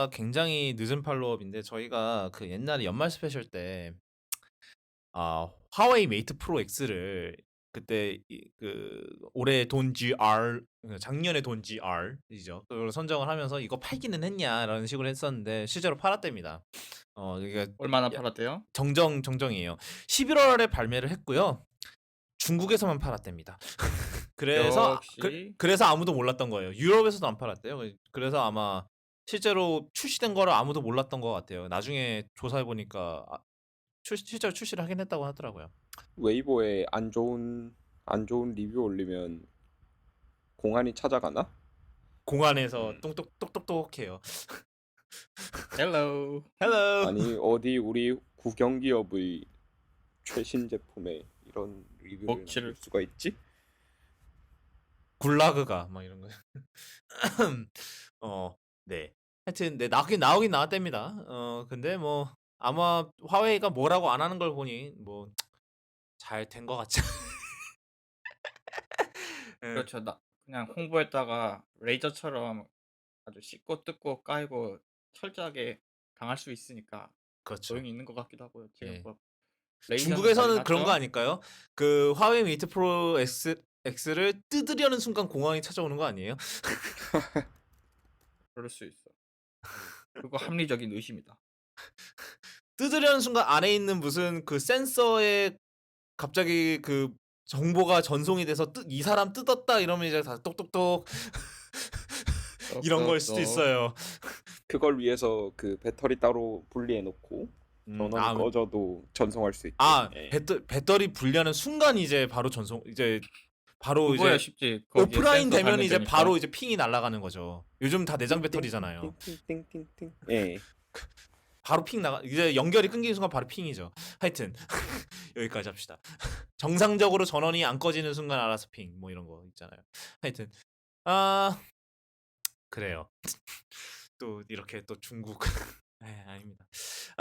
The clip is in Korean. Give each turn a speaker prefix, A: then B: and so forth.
A: 굉장히 늦은 팔로업인데 저희가 그 옛날에 연말 스페셜 때 화웨이 메이트 프로 X를 그때 그 올해 돈 GR 작년에 돈 GR이죠. 그걸 선정을 하면서 이거 팔기는 했냐라는 식으로 했었는데 실제로 팔았답니다. 이게
B: 얼마나 팔았대요?
A: 정정이에요. 11월에 발매를 했고요. 중국에서만 팔았답니다.
B: 역시
A: 그래서 아무도 몰랐던 거예요. 유럽에서도 안 팔았대요. 그래서 아마 실제로 출시된 거를 아무도 몰랐던 것 같아요. 나중에 조사해 보니까 실제로 출시를 하긴 했다고 하더라고요.
C: 웨이보에 안 좋은 리뷰 올리면 공안이 찾아가나?
A: 공안에서
B: 음,
A: 똑똑똑똑해요.
B: 헬로
A: 헬로.
C: 아니 어디 우리 국영기업의 최신 제품에 이런 리뷰를 남길
B: 먹칠을
C: 수가 있지?
A: 굴라그가 막 이런 거. 네. 하여튼 네 나오긴 나왔답니다. 근데 뭐 아마 화웨이가 뭐라고 안 하는 걸 보니 뭐 잘 된 것 같죠. 예.
B: 그렇죠. 나 그냥 홍보했다가 레이저처럼 아주 씻고 뜯고 까이고 철저하게 강할 수 있으니까
A: 그렇죠.
B: 소용이 있는 것 같기도 하고요. 지금
A: 예.
B: 뭐 레이저는 난리
A: 중국에서는 그런 거
B: 났죠?
A: 아닐까요? 그 화웨이 메이트 프로 X를 뜯으려는 순간 공항이 찾아오는 거 아니에요?
B: 그럴 수 있어. 그거 합리적인 의심이다.
A: 뜯으려는 순간 안에 있는 무슨 그 센서에 갑자기 그 정보가 전송이 돼서 이 사람 뜯었다 이러면 이제 다 똑똑똑 이런 걸 수도
B: 똑똑똑.
A: 있어요.
C: 그걸 위해서 그 배터리 따로 분리해 놓고 전원이
A: 아,
C: 꺼져도 전송할 수 있게. 예.
A: 배터리 분리하는 순간 이제 바로 바로
B: 그거야
A: 이제
B: 쉽지. 거기에
A: 오프라인
B: 센서
A: 되면
B: 달면
A: 이제 바로
B: 되니까.
A: 이제 핑이 날아가는 거죠. 요즘 다 내장 배터리잖아요.
C: 띵띵띵띵띵띵띵. 예.
A: 바로 핑 나가 이제 연결이 끊기는 순간 바로 핑이죠. 하여튼 여기까지 합시다. 정상적으로 전원이 안 꺼지는 순간 알아서 핑 뭐 이런 거 있잖아요. 하여튼 그래요. 또 이렇게 또 중국 아닙니다.